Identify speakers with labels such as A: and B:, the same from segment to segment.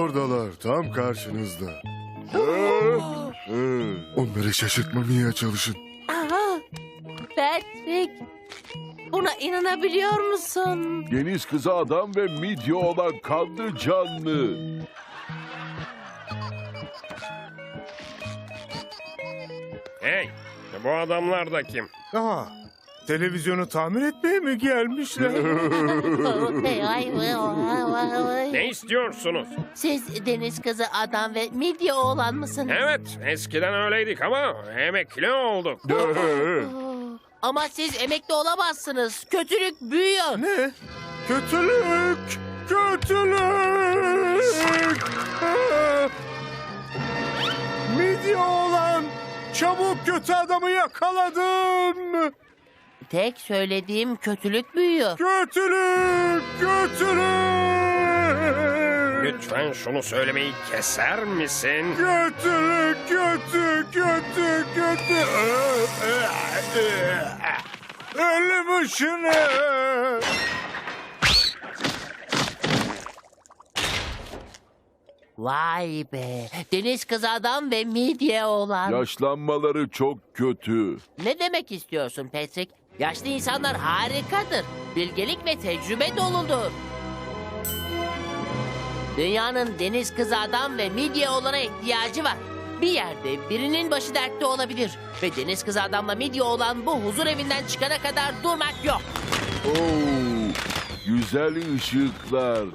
A: oradalar, tam karşınızda. Onları şaşırtmamaya çalışın.
B: Aha, Patrick, buna inanabiliyor musun?
C: Deniz kızı adam ve midye olan kanlı canlı.
D: Hey, bu adamlar da kim?
E: Aha, televizyonu tamir etmeye mi gelmişler?
D: Ne istiyorsunuz?
B: Siz deniz kızı adam ve midye oğlan mısınız?
D: Evet, eskiden öyleydik ama emekli olduk.
B: Ama siz emekli olamazsınız. Kötülük büyüyor.
E: Ne? Kötülük! Kötülük! Midye oğlan! Çabuk kötü adamı yakaladın!
B: Tek söylediğim kötülük büyüyor.
E: Kötülük! Kötülük!
D: Lütfen şunu söylemeyi keser misin?
E: Kötülük! Kötü! Kötü! Kötü! Ölüm ışını!
B: Vay be. Deniz kızı adam ve midye oğlan.
C: Yaşlanmaları çok kötü.
B: Ne demek istiyorsun Patrick? Yaşlı insanlar harikadır. Bilgelik ve tecrübe doludur. Dünyanın deniz kızı adam ve midye oğlana ihtiyacı var. Bir yerde birinin başı dertte olabilir. Ve deniz kızı adamla midye olan bu huzur evinden çıkana kadar durmak yok.
C: Oo, güzel ışıklar.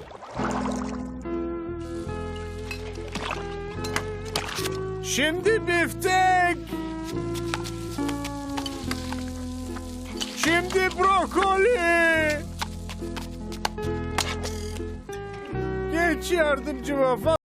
E: Şimdi biftek! Şimdi brokoli! Geç yardımcıma.